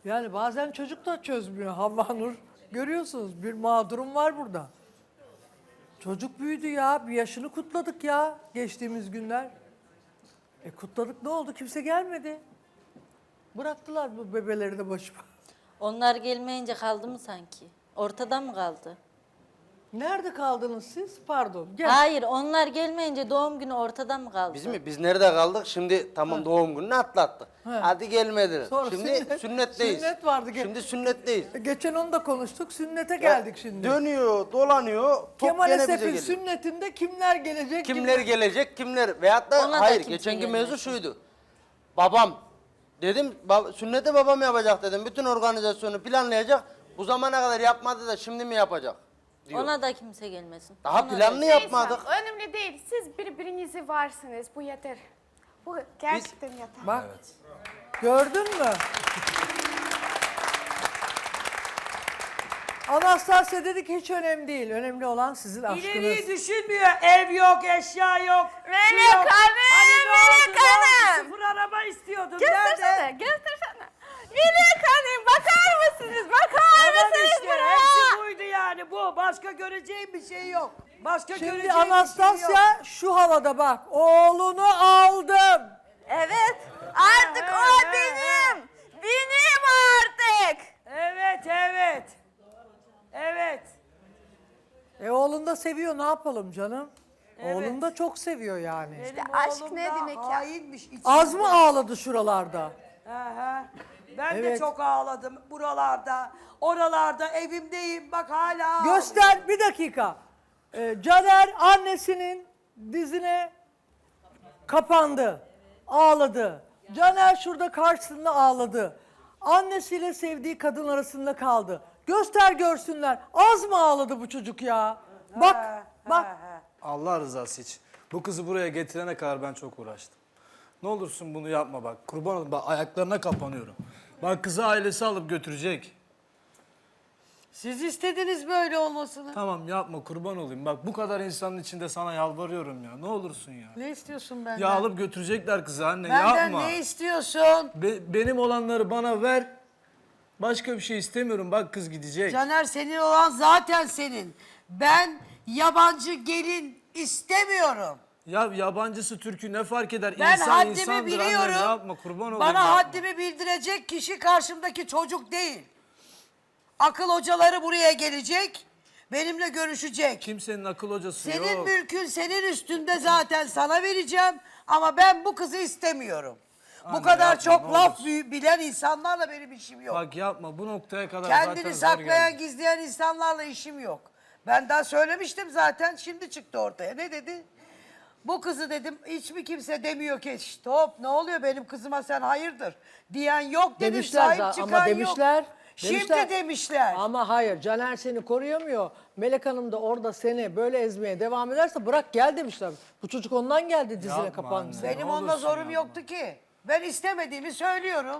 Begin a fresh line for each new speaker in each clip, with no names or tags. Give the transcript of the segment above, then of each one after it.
Yani bazen çocuk da çözmüyor Havva Nur. Görüyorsunuz bir mağdurum var burada. Çocuk büyüdü ya. Bir yaşını kutladık ya geçtiğimiz günler. Kutladık ne oldu? Kimse gelmedi. Bıraktılar bu bebeleri de başıma.
Onlar gelmeyince kaldı mı sanki? Ortada mı kaldı?
Nerede kaldınız siz? Pardon. Gel.
Hayır, onlar gelmeyince doğum günü ortada mı kaldı?
Biz mi? Biz nerede kaldık? Şimdi tamam doğum gününü atlattık. Hadi gelmediler.
Sonra
Şimdi sünnetteyiz.
Sünnet vardı.
Şimdi sünnetteyiz.
Geçen onu da konuştuk. Sünnete geldik şimdi.
Dönüyor, dolanıyor. Top
Kemal
gene bize
Esef'in
geliyor.
sünnetinde kimler gelecek?
Kimler gelecek, kimler? Veyahut da
Ona da
hayır,
kimse
geçenki
gelmez.
mevzu şuydu. Babam, dedim sünneti babam yapacak dedim. Bütün organizasyonu planlayacak. Bu zamana kadar yapmadı da şimdi mi yapacak? Diyor.
Ona da kimse gelmesin.
Daha
Ona da-
planlı yapmadık.
Önemli değil. Siz birbirinizi varsınız. Bu yeter. Bu gerçekten yeter.
Bak. Gördün mü? Anastasya dedi ki hiç önemli değil. Önemli olan sizin aşkınız.
İleriyi düşünmüyor. Ev yok, eşya yok. şu
Melek
yok.
Hanım,
Hani ne oldu,
Melek
ne oldu?
Hanım.
Sıfır araba istiyordun.
Göstersene,
Nerede?
göstersene. Melek Hanım bakar mısınız? Bakar
Tamam
mısınız
işte.
buraya?
Hepsi buydu yani bu. Başka göreceğim bir şey yok. Başka
Şimdi
göreceğim bir şey yok.
Anastasya şu havada bak. Oğlunu aldım.
Evet, artık
Ha,
o
ha,
benim. Benim artık.
Evet, evet. Evet.
Oğlun da seviyor ne yapalım canım?
Evet.
Oğlun da çok seviyor yani.
Benim
aşk
oğlum
ne
da
demek ya?
hainmiş. içinde.
Az mı ağladı şuralarda?
Aha. Ben de
Evet.
çok ağladım buralarda. Oralarda evimdeyim. Bak hala ağlıyorum.
Göster bir dakika. Caner annesinin dizine kapandı. Ağladı. Caner şurada karşısında ağladı. Annesiyle sevdiği kadın arasında kaldı. Göster görsünler. Az mı ağladı bu çocuk ya? Bak bak.
Allah rızası için. Bu kızı buraya getirene kadar ben çok uğraştım. Ne olursun bunu yapma bak. Kurban olayım bak ayaklarına kapanıyorum. Bak kızı ailesi alıp götürecek.
Siz istediniz böyle olmasını.
Tamam yapma kurban olayım. Bak bu kadar insanın içinde sana yalvarıyorum ya. Ne olursun ya.
Ne istiyorsun benden?
Ya alıp götürecekler kızı anne
Benden
yapma.
ne istiyorsun?
Benim olanları bana ver. Başka bir şey istemiyorum. Bak kız gidecek.
Caner senin olan zaten senin. Ben yabancı gelin istemiyorum.
Ya yabancısı Türk'ü ne fark eder?
Ben
İnsan
haddimi
insandır
biliyorum.
anne yapma kurban olayım.
Bana
yapma.
haddimi bildirecek kişi karşımdaki çocuk değil. Akıl hocaları buraya gelecek. Benimle görüşecek.
Kimsenin akıl hocası
Senin
yok.
mülkün senin üstünde zaten sana vereceğim. Ama ben bu kızı istemiyorum. Bu
Anne,
kadar
yapma,
çok
ne
laf
olursun.
bilen insanlarla benim işim yok.
Bak yapma bu noktaya kadar zaten
Kendini
zor
saklayan,
geldi.
gizleyen insanlarla işim yok. Ben daha söylemiştim zaten, şimdi çıktı ortaya. Ne dedi? Bu kızı dedim, hiç mi kimse demiyor ki, stop ne oluyor benim kızıma sen hayırdır diyen yok dedim,
Demişler
sahip
ama
çıkan
demişler.
yok. Şimdi demişler.
Ama hayır Caner seni koruyamıyor. Melek Hanım da orada seni böyle ezmeye devam ederse bırak gel demişler. Bu çocuk ondan geldi dizine
Yapma
kapandı.
anne.
Benim
Ne
onda
olursun
zorum
yapma.
yoktu ki. Ben istemediğimi söylüyorum.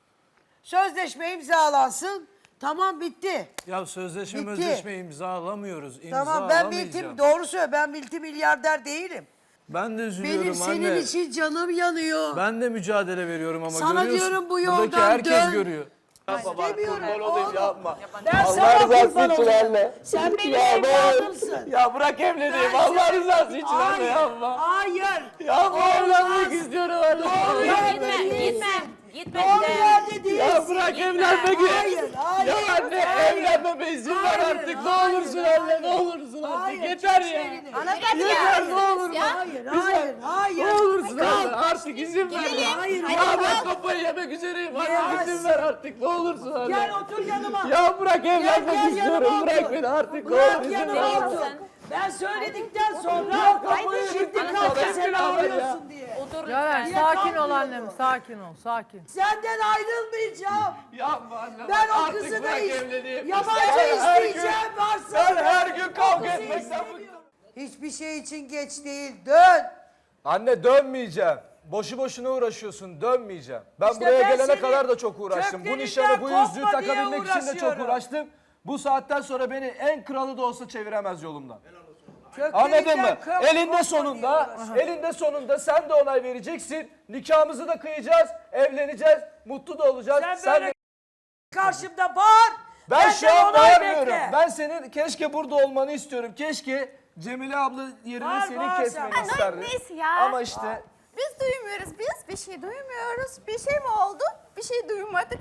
Sözleşme imzalansın, tamam bitti.
Ya sözleşme
Bitti.
özleşme imzalamıyoruz.
Tamam ben
İmzalamayacağım.
doğru söyle, ben multimilyarder değilim.
Ben de üzülüyorum
Benim senin
anne.
için canım yanıyor.
Ben de mücadele veriyorum ama
Sana
görüyorsun.
diyorum bu
Buradaki
yoldan
herkes
dön.
görüyor.
İstemiyorum oğlum.
yapma.
Ben sana kurban olayım. Sen benim evladımsın.
Ya bırak evleneyim Allah rızası için anne
Hayır,
yapma.
hayır.
Ya bu evlenmek
Olmaz.
istiyorum anne.
Doğru yerde
Gitme,
değilsin.
gitme. Gitme
Doğru
gidelim.
yerde değilsin.
Ya bırak evlenmek.
Hayır, hayır.
Ya anne
hayır.
evlenmeme izin ver
Hayır,
artık. Ne
hayır,
olursun
hayır.
anne ne olursun artık.
Hayır,
Yeter
çek
ya.
elini.
Yeter ne olur.
Hayır, hayır, hayır.
Ne olursun anne artık izin ver.
Hayır,
Ya
hayır.
ben kafayı yemek üzereyim. Anne
Yemez.
izin ver artık ne olursun anne.
Gel otur yanıma.
Ya bırak evlenmek
gel
istiyorum.
yanıma
Bırak
otur.
beni artık. Ne
Bırak
olur izin
yanıma
ver.
otur. Ben söyledikten sonra şimdi kalktı seni arıyorsun diye.
Otur
Caner
lütfen.
sakin ol annem sakin ol sakin.
Senden ayrılmayacağım.
Yapma anne.
Ben o
artık
kızı da
bırak evleneyim.
yabancı
Ben her gün-
isteyeceğim varsa.
Ben her gün kavga
O kızı
etmekten
istemiyorum. Hiçbir şey için geç değil. Dön.
Anne dönmeyeceğim. Boşu boşuna uğraşıyorsun, dönmeyeceğim. Ben
İşte
buraya
ben
gelene
seni
kadar da çok uğraştım. Bu
köklerinden
nişanı, bu yüzüğü
kopma diye
takabilmek için de çok
uğraşıyorum.
uğraştım. Bu saatten sonra beni en kralı da olsa çeviremez yolumdan.
Köklerinden
Anladın mı?
kopma
Elinde
diye
sonunda,
uğraşıyorum.
elinde sonunda sen de onay vereceksin. Nikahımızı da kıyacağız, evleneceğiz, mutlu da olacağız.
Sen
Sen
böyle
de
karşımda bağır.
Ben
benden
şu an
onay
bağırmıyorum.
bekle.
Ben senin keşke burada olmanı istiyorum. Keşke Cemile abla yerine
Bağır,
seni
bağır
kesmeni
sen.
isterdim.
Neyse ya.
Ama işte
Biz duymuyoruz. Biz bir şey duymuyoruz. Bir şey mi oldu? Bir şey duymadık.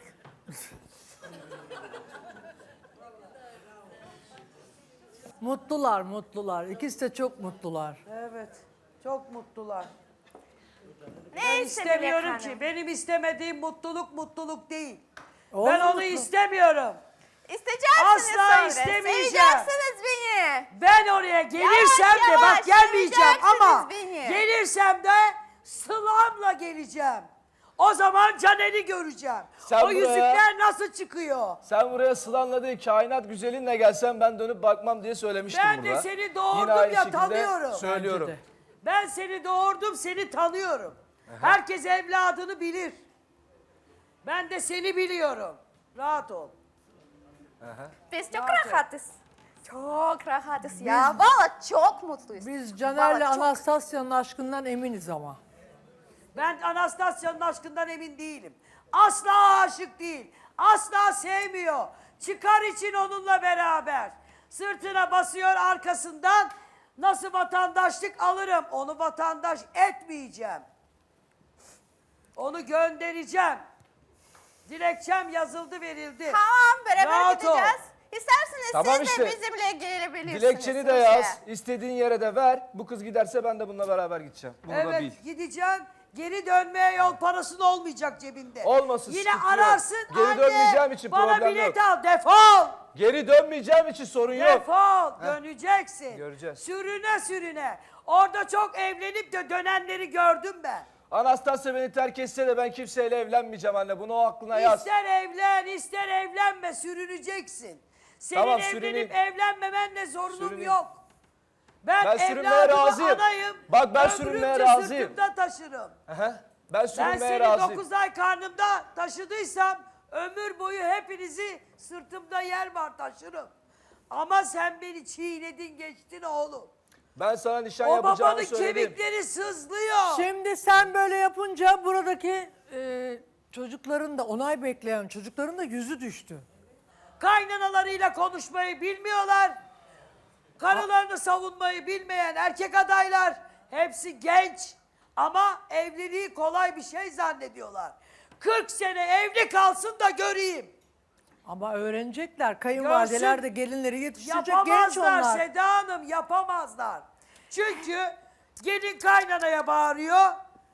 Mutlular, mutlular. İkisi de çok mutlular.
Evet. Çok mutlular.
Neyse
İstemiyorum
Melek
ki.
Hanım.
Benim istemediğim mutluluk değil.
Olur
Ben onu
mutlu.
istemiyorum.
İsteyeceksiniz
Asla
sonra.
istemeyeceğim.
Seveceksiniz beni.
Ben oraya gelirsem de
yavaş
bak gelmeyeceğim ama
seveceksiniz beni.
gelirsem de Sıla'mla geleceğim. O zaman Caner'i göreceğim.
Sen
o
buraya-
yüzükler nasıl çıkıyor?
sen buraya Sılan'la değil kainat güzelinle gelsen ben dönüp bakmam diye söylemiştim
Ben
burada.
de seni
Yine
doğurdum
aynı
ya
şekilde
tanıyorum.
söylüyorum.
Bence de.
Ben seni doğurdum, seni tanıyorum. Herkes evladını bilir. Ben de seni biliyorum. Rahat ol.
Biz çok rahatız. Çok rahatız ya. Valla çok mutluyuz.
Vallahi
Biz Caner'le
çok-
Anastasya'nın aşkından eminiz ama.
Ben Anastasya'nın aşkından emin değilim. Asla aşık değil. Asla sevmiyor. Çıkar için onunla beraber. Sırtına basıyor arkasından. Nasıl vatandaşlık alırım? Onu vatandaş etmeyeceğim. Onu göndereceğim. Dilekçem yazıldı verildi.
Tamam beraber
Rahat ol.
gideceğiz. İsterseniz
Tamam
siz
işte.
de bizimle gelebilirsiniz.
Dilekçeni de
Rusya'ya.
yaz. İstediğin yere de ver. Bu kız giderse ben de bununla beraber gideceğim. Bunu da bil.
Evet gideceğim. Geri dönmeye yol parasının olmayacak cebinde.
Olmasın,
Yine
sıkıntı yok.
ararsın.
Geri
anne,
dönmeyeceğim için
bana
problem
bilet
yok.
al defol.
Geri dönmeyeceğim için sorun yok.
Defol döneceksin.
Göreceğiz.
Sürüne sürüne. Orada çok evlenip de dönenleri gördüm ben.
Anastasya beni terk etse de ben kimseyle evlenmeyeceğim anne. Bunu o aklına yaz.
İster evlen ister evlenme sürüneceksin. Senin
Tamam,
evlenip
sürüneyim.
evlenmemenle sorunum
Sürüneyim.
yok. Ben
sürünmeye
evladımı
razıyım.
anayım.
Bak, ben sürünmeye
ömrümce
razıyım.
sırtımda taşırım.
Aha, ben
Ben
sürünmeye
seni
razıyım.
9 ay karnımda taşıdıysam ömür boyu hepinizi sırtımda yer var taşırım. Ama sen beni çiğnedin geçtin oğlum.
Ben sana nişan
O
yapacağımı
babanın
söyledim.
kemikleri sızlıyor.
Şimdi sen böyle yapınca buradaki çocukların da onay bekleyen çocukların da yüzü düştü.
Kaynanalarıyla konuşmayı bilmiyorlar. Karılarını savunmayı bilmeyen erkek adaylar hepsi genç ama evliliği kolay bir şey zannediyorlar. 40 sene evli kalsın da göreyim.
Ama öğrenecekler. Kayınvalideler
Görsün.
de gelinleri yetiştirecek genç
Yapamazlar
onlar.
Seda Hanım yapamazlar. Çünkü gelin kaynanaya bağırıyor.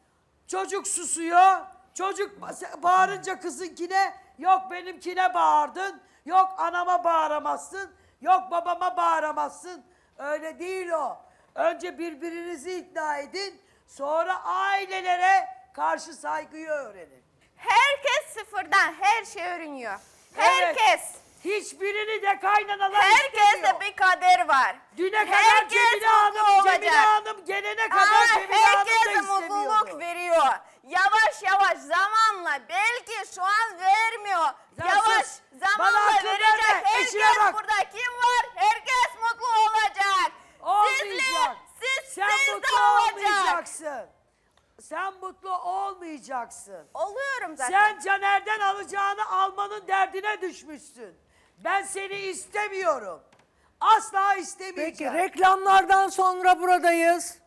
Çocuk susuyor. Çocuk bağırınca kızınkine yok benimkine bağırdın. Yok anama bağıramazsın. Yok babama bağıramazsın. Öyle değil o. Önce birbirinizi ikna edin. Sonra ailelere karşı saygıyı öğrenin.
Herkes sıfırdan her şey öğreniyor.
Evet.
Herkes.
Hiçbirini de kaynanalar
Herkeste
istemiyor.
bir kader var.
Düne kadar
Herkes
Cemile
mutlu
Hanım,
olacak.
Cemile Hanım gelene kadar
Ama
Cemile Hanım da
herkese
istemiyordu.
mutluluk veriyor. Yavaş yavaş zamanla belki şu an vermiyor.
Sen
Yavaş
sus. Bana
zamanla
akıl verme.
verecek.
İşine
Herkes
bak.
burada kim var? Herkes mutlu olacak.
Olmayacak.
Siz
Sen
de
mutlu
olacak.
olmayacaksın. Sen mutlu olmayacaksın.
Oluyorum zaten.
Sen Caner'den alacağını almanın derdine düşmüşsün. Ben seni istemiyorum. Asla
Peki
istemeyeceğim.
reklamlardan sonra buradayız.